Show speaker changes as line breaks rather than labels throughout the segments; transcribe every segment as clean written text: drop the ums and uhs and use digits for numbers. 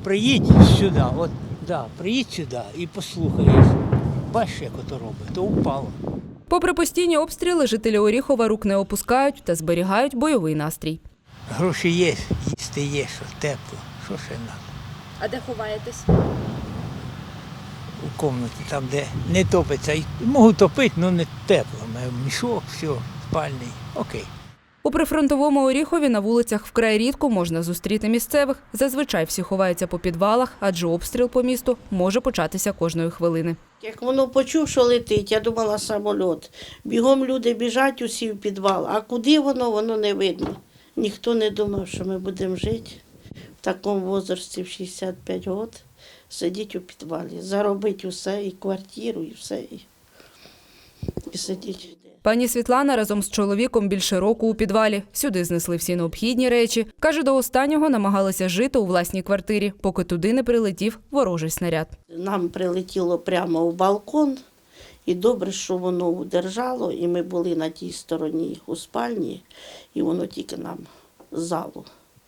Приїдь сюди, от, да, приїдь сюди і послухаєш. Бачиш, як ото робить, то впало.
Попри постійні обстріли, жителі Оріхова рук не опускають та зберігають бойовий настрій.
Гроші є, їсти є, що тепло, що ще треба.
А де ховаєтесь?
У кімнаті, там, де не топиться. Можу топити, але не тепло. Мішок, все, спальний, окей.
У прифронтовому Оріхові на вулицях вкрай рідко можна зустріти місцевих. Зазвичай всі ховаються по підвалах, адже обстріл по місту може початися кожної хвилини.
Як воно почув, що летить, я думала самоліт. Бігом люди біжать усі в підвал, а куди воно не видно. Ніхто не думав, що ми будемо жити в такому віці, в 65 років, сидіти у підвалі, заробити усе, і квартиру, і все, і сидіти.
Пані Світлана разом з чоловіком більше року у підвалі. Сюди знесли всі необхідні речі. Каже, до останнього намагалися жити у власній квартирі, поки туди не прилетів ворожий снаряд.
Нам прилетіло прямо у балкон, і добре, що воно удержало, і ми були на тій стороні у спальні, і воно тільки нам з залу.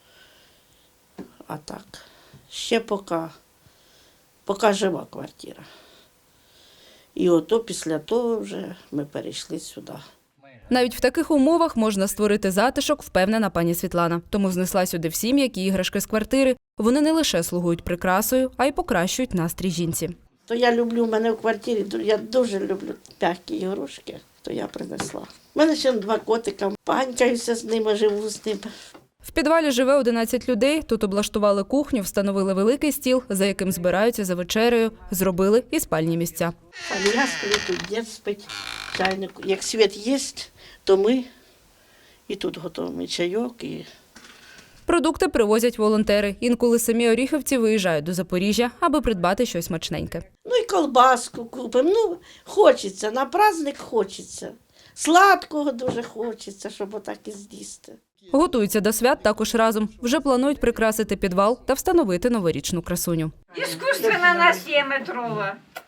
А так, ще поки жива квартира. І ото після того вже ми перейшли сюди.
Навіть в таких умовах можна створити затишок, впевнена пані Світлана. Тому знесла сюди всі м'які іграшки з квартири. Вони не лише слугують прикрасою, а й покращують настрій жінці.
То я люблю, в мене в квартирі, я дуже люблю м'які ігрушки, то я принесла. У мене ще 2 котика, панькаюся з ними, живу з ними.
В підвалі живе 11 людей. Тут облаштували кухню, встановили великий стіл, за яким збираються за вечерею, зробили і спальні місця.
Я сплю, тут дід спить, чайник. Як світ є, то ми і тут готуємо чайок. І...
Продукти привозять волонтери. Інколи самі оріхівці виїжджають до Запоріжжя, аби придбати щось смачненьке.
Ну і колбаску купимо. Ну, хочеться, на праздник хочеться. Сладкого дуже хочеться, щоб отак і з'їсти.
Готуються до свят також разом. Вже планують прикрасити підвал та встановити новорічну красуню.
Іскусственна на 7-метрова.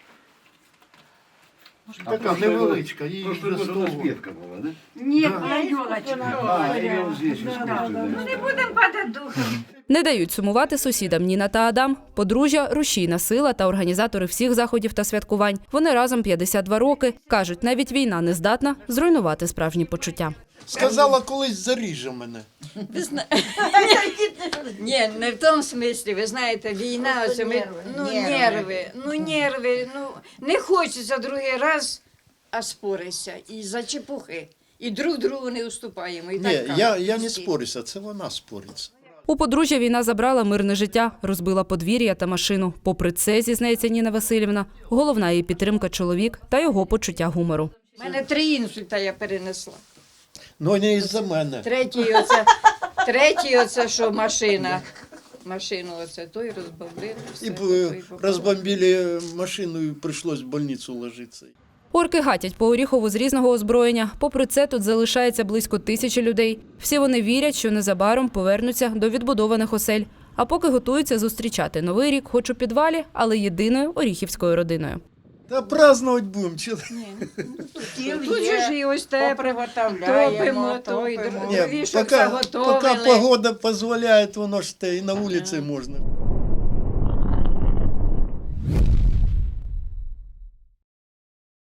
Така невеличка, її
Просто
до
вот
столу.
расцветка была, да?
Ні, на ёлочка.
А, и вот здесь
Ну
искусственная.
не будемо падати духом.
Не дають сумувати сусідам Ніна та Адам. Подружжя – рушійна сила та організатори всіх заходів та святкувань. Вони разом 52 роки. Кажуть, навіть війна не здатна зруйнувати справжні почуття.
Сказала, колись заріже мене.
Ні, не в тому смислі, ви знаєте, війна, ось ми, нерви, не хочеться другий раз, а спорися, і за чепухи, і друг другу не уступаємо. І
Ні,
так
я не спорюся, це вона спориться.
У подружжя війна забрала мирне життя, розбила подвір'я та машину. Попри це, зізнається Ніна Василівна, головна її підтримка – чоловік та його почуття гумору.
У мене 3 інсульта я перенесла.
Ну, не із-за мене.
Третій оце, що машину оце, той розбомбили.
І розбомбили машину, і прийшлось в больницю ложитися.
Орки гатять по Оріхову з різного озброєння. Попри це, тут залишається близько 1000 людей. Всі вони вірять, що незабаром повернуться до відбудованих осель. А поки готуються зустрічати Новий рік, хоч у підвалі, але єдиною оріхівською родиною.
Та празднувати будемо.
Тут же ж і ось те топимо, то і
Ні,
другий, щоб
поки
заготовили.
погода дозволяє, воно ж те і на вулиці можна.